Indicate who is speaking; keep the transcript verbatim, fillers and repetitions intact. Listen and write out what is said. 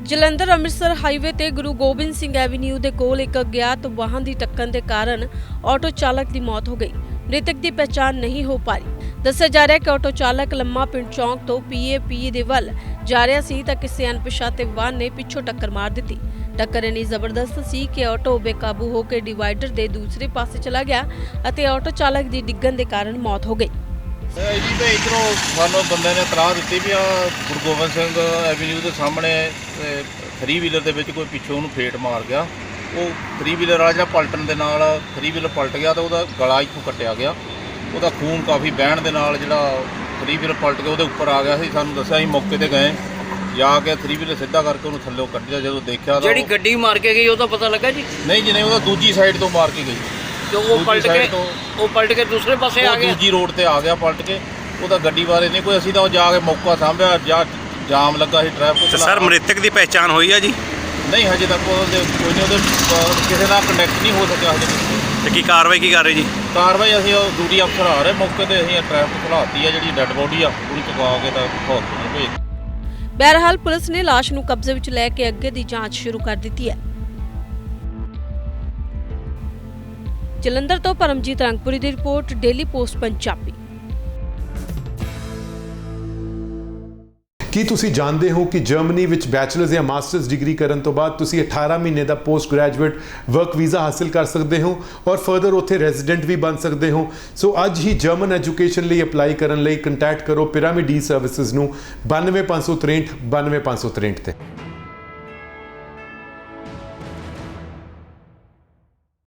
Speaker 1: Jalandhar Amritsar highway ਤੇ ਗੁਰੂ Gobind Singh avenue ਦੇ ਕੋਲ ਇੱਕ ਅਗਿਆਤ ਵਾਹਨ ਦੀ ਟੱਕਰ ਦੇ ਕਾਰਨ ਆਟੋ ਚਾਲਕ ਦੀ ਮੌਤ ਹੋ ਗਈ। ਮ੍ਰਿਤਕ ਦੀ ਪਛਾਣ ਨਹੀਂ ਹੋ ਪਾ ਰਹੀ। ਦੱਸਿਆ ਜਾ ਰਿਹਾ ਹੈ ਕਿ ਆਟੋ ਚਾਲਕ ਲੰਮਾ ਪਿੰਡ ਚੌਂਕ ਤੋਂ ਪੀਏਪੀ ਦੇ ਵੱਲ ਜਾ ਰਿਹਾ ਸੀ ਤਾਂ ਕਿਸੇ ਅਣਪਛਾਤੇ ਵਾਹਨ ਨੇ ਪਿੱਛੋਂ ਟੱਕਰ ਮਾਰ ਦਿੱਤੀ। ਟੱਕਰ ਇੰਨੀ ਜ਼ਬਰਦਸਤ ਸੀ ਕਿ ਆਟੋ ਬੇਕਾਬੂ ਹੋ ਕੇ ਡਿਵਾਈਡਰ ਦੇ ਦੂਸਰੇ ਪਾਸੇ ਚਲਾ ਗਿਆ ਅਤੇ ਆਟੋ ਚਾਲਕ ਦੀ ਡਿੱਗਣ ਦੇ ਕਾਰਨ ਮੌਤ ਹੋ ਗਈ।
Speaker 2: ਜੀ ਤਾਂ ਇੱਧਰੋਂ ਸਾਨੂੰ ਬੰਦੇ ਨੇ ਇਤਲਾਹ ਦਿੱਤੀ ਵੀ ਆ ਗੁਰੂ ਗੋਬਿੰਦ ਸਿੰਘ ਐਵੀਨਿਊ ਦੇ ਸਾਹਮਣੇ ਥਰੀ ਵੀਲਰ ਦੇ ਵਿੱਚ ਕੋਈ ਪਿੱਛੋਂ ਉਹਨੂੰ ਫੇਟ ਮਾਰ ਗਿਆ। ਉਹ ਥਰੀ ਵੀਲਰ ਵਾਲਾ ਜਿਹੜਾ ਪਲਟਣ ਦੇ ਨਾਲ ਥਰੀ ਵੀਲਰ ਪਲਟ ਗਿਆ ਤਾਂ ਉਹਦਾ ਗਲਾ ਇੱਥੋਂ ਕੱਟਿਆ ਗਿਆ। ਉਹਦਾ ਖੂਨ ਕਾਫੀ ਵਹਿਣ ਦੇ ਨਾਲ ਜਿਹੜਾ ਥਰੀ ਵੀਲਰ ਪਲਟ ਕੇ ਉਹਦੇ ਉੱਪਰ ਆ ਗਿਆ ਸੀ। ਸਾਨੂੰ ਦੱਸਿਆ ਅਸੀਂ ਮੌਕੇ ਤੇ ਗਏ, ਜਾ ਕੇ ਥਰੀ ਵੀਲਰ ਸਿੱਧਾ ਕਰਕੇ ਉਹਨੂੰ ਥੱਲੇ ਕੱਢਿਆ। ਜਦੋਂ ਦੇਖਿਆ ਤਾਂ
Speaker 3: ਜਿਹੜੀ ਗੱਡੀ ਮਾਰ ਕੇ ਗਈ ਉਹਦਾ ਪਤਾ ਲੱਗਾ ਜੀ?
Speaker 2: ਨਹੀਂ ਜੀ ਨਹੀਂ, ਉਹਦਾ ਦੂਜੀ ਸਾਈਡ ਤੋਂ ਮਾਰ ਕੇ ਗਈ।
Speaker 3: ਜੋ ਉਹ ਪਲਟ ਕੇ ਉਹ ਪਲਟ ਕੇ ਦੂਸਰੇ ਪਾਸੇ ਆ ਗਿਆ,
Speaker 2: ਦੂਜੀ ਰੋਡ ਤੇ ਆ ਗਿਆ ਪਲਟ ਕੇ। ਉਹਦਾ ਗੱਡੀ ਬਾਰੇ ਨਹੀਂ ਕੋਈ, ਅਸੀਂ ਤਾਂ ਜਾ ਕੇ ਮੌਕਾ ਸਾਂਭਿਆ, ਜਾਂ ਜਾਮ ਲੱਗਾ ਸੀ ਟ੍ਰੈਫਿਕ।
Speaker 4: ਸਰ ਮ੍ਰਿਤਕ ਦੀ ਪਹਿਚਾਣ ਹੋਈ ਆ ਜੀ?
Speaker 2: ਨਹੀਂ ਹਜੇ ਤੱਕ ਉਹਦੇ ਕੋਈ ਨਹੀਂ, ਉਹਦੇ ਕਿਸੇ ਨਾਲ ਕੰਟੈਕਟ ਨਹੀਂ ਹੋ ਸਕਿਆ ਹਜੇ।
Speaker 4: ਤੇ ਕੀ ਕਾਰਵਾਈ ਕੀ ਕਰ ਰਹੇ ਜੀ?
Speaker 2: ਕਾਰਵਾਈ ਅਸੀਂ ਉਹ ਡਿਊਟੀ ਅਫਸਰ ਆ ਰਹੇ ਮੌਕੇ ਤੇ, ਅਸੀਂ ਟ੍ਰੈਫਿਕ ਖੁਲਾਤੀ ਆ। ਜਿਹੜੀ ਡੈੱਡ ਬੋਡੀ ਆ ਉਹਨੂੰ ਚੁਕਾ ਕੇ ਤਾਂ ਹਸਪਤਾਲ ਭੇਜ।
Speaker 1: ਬਹਰਹਾਲ ਪੁਲਿਸ ਨੇ ਲਾਸ਼ ਨੂੰ ਕਬਜ਼ੇ ਵਿੱਚ ਲੈ ਕੇ ਅੱਗੇ ਦੀ ਜਾਂਚ ਸ਼ੁਰੂ ਕਰ ਦਿੱਤੀ ਹੈ। ਜਲੰਧਰ ਤੋਂ ਪਰਮਜੀਤ ਰੰਗਪੁਰੀ ਦੀ ਰਿਪੋਰਟ, ਡੇਲੀ ਪੋਸਟ ਪੰਜਾਬੀ।
Speaker 5: ਕੀ ਤੁਸੀਂ ਜਾਣਦੇ ਹੋ ਕਿ ਜਰਮਨੀ ਵਿੱਚ ਬੈਚਲਰਸ ਜਾਂ ਮਾਸਟਰਸ ਡਿਗਰੀ ਕਰਨ ਤੋਂ ਬਾਅਦ ਤੁਸੀਂ ਅਠਾਰਾਂ ਮਹੀਨੇ ਦਾ ਪੋਸਟ ਗ੍ਰੈਜੂਏਟ ਵਰਕ ਵੀਜ਼ਾ ਹਾਸਲ ਕਰ ਸਕਦੇ ਹੋ ਔਰ ਫਰਦਰ ਉੱਥੇ ਰੈਜ਼ੀਡੈਂਟ ਵੀ ਬਣ ਸਕਦੇ ਹੋ। ਸੋ ਅੱਜ ਹੀ ਜਰਮਨ ਐਜੂਕੇਸ਼ਨ ਲਈ ਅਪਲਾਈ ਕਰਨ ਲਈ ਕੰਟੈਕਟ ਕਰੋ ਪਿਰਾਮਿਡ ਈ ਸਰਵਿਸਿਜ਼ ਨੂੰ ਬਾਨਵੇਂ ਪੰਜ ਸੌ ਤ੍ਰੇਹਠ ਬਾਨਵੇਂ ਪੰਜ ਸੌ ਤ੍ਰੇਹਠ ਤੇ।